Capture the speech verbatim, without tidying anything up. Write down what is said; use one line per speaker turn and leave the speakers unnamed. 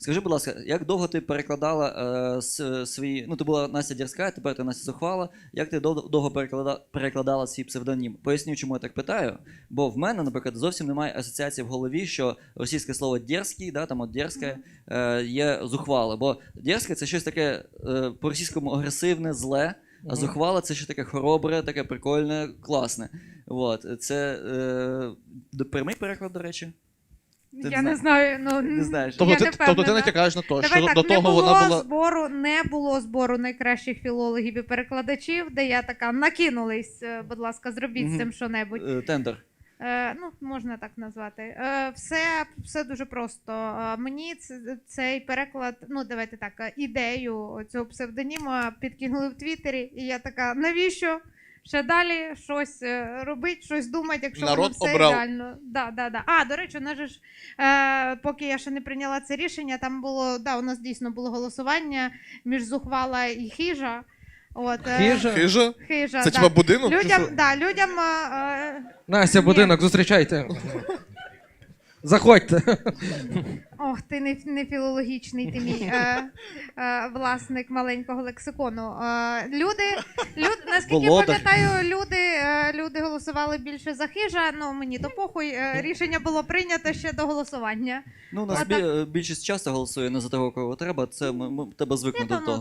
Скажи, будь ласка, як довго ти перекладала е, с- свій, ну ти була Настя Дерзка, тепер ти Настя Зухвала, як ти дов- довго переклада, перекладала свій псевдонім? Поясню, чому я так питаю, бо в мене, наприклад, зовсім немає асоціації в голові, що російське слово «дерзкий», да, там от «дерзке», е, є зухвале, бо «дерзке» це щось таке е, по-російському агресивне, зле, а зухвала це ще таке хоробре, таке прикольне, класне. От. Це е, прямий переклад, до речі? Ти
Я
не
не знаю, ну
Не знаєш.
Тобто
я
ти,
не
тобто ти
впевнена.
натякаєш на те,
Давай
що
так,
до
не
того
було
вона була...
збору, не було збору найкращих філологів і перекладачів, де я така накинулись, е, будь ласка, зробіть
Мгм.
з цим що-небудь.
Е, Тендер.
Е, ну, можна так назвати. Е, все, все дуже просто. Е, мені ц- цей переклад, ну давайте так, е, ідею цього псевдоніма підкинули в Твіттері, і я така, навіщо? Ще далі щось е, робити, щось думати, якщо
Народ
воно все
обрав.
ідеально. Да, да, да. А, до речі, у нас же ж, е, поки я ще не прийняла це рішення, там було, да, у нас дійсно було голосування між Зухвала і Хижа. От, е,
Хижа?
Хижа?
Хижа,
Це
да.
типа будинок? чи
Людям,
що?
да, людям е, е,
Настя,
Ні.
будинок, зустрічайте. Заходьте.
Ох, ти не, не філологічний, ти мій е, е, власник маленького лексикону. Е, люди, люд, наскільки
Володар.
пам'ятаю, люди, е, люди голосували більше за Хижа, ну мені то похуй, е, рішення було прийнято ще до голосування.
Ну, у нас
А так-
бі- більшість часу голосує не за того, кого треба, це ми, ми тебе звикнемо
Ні,
до
то, ну,
того.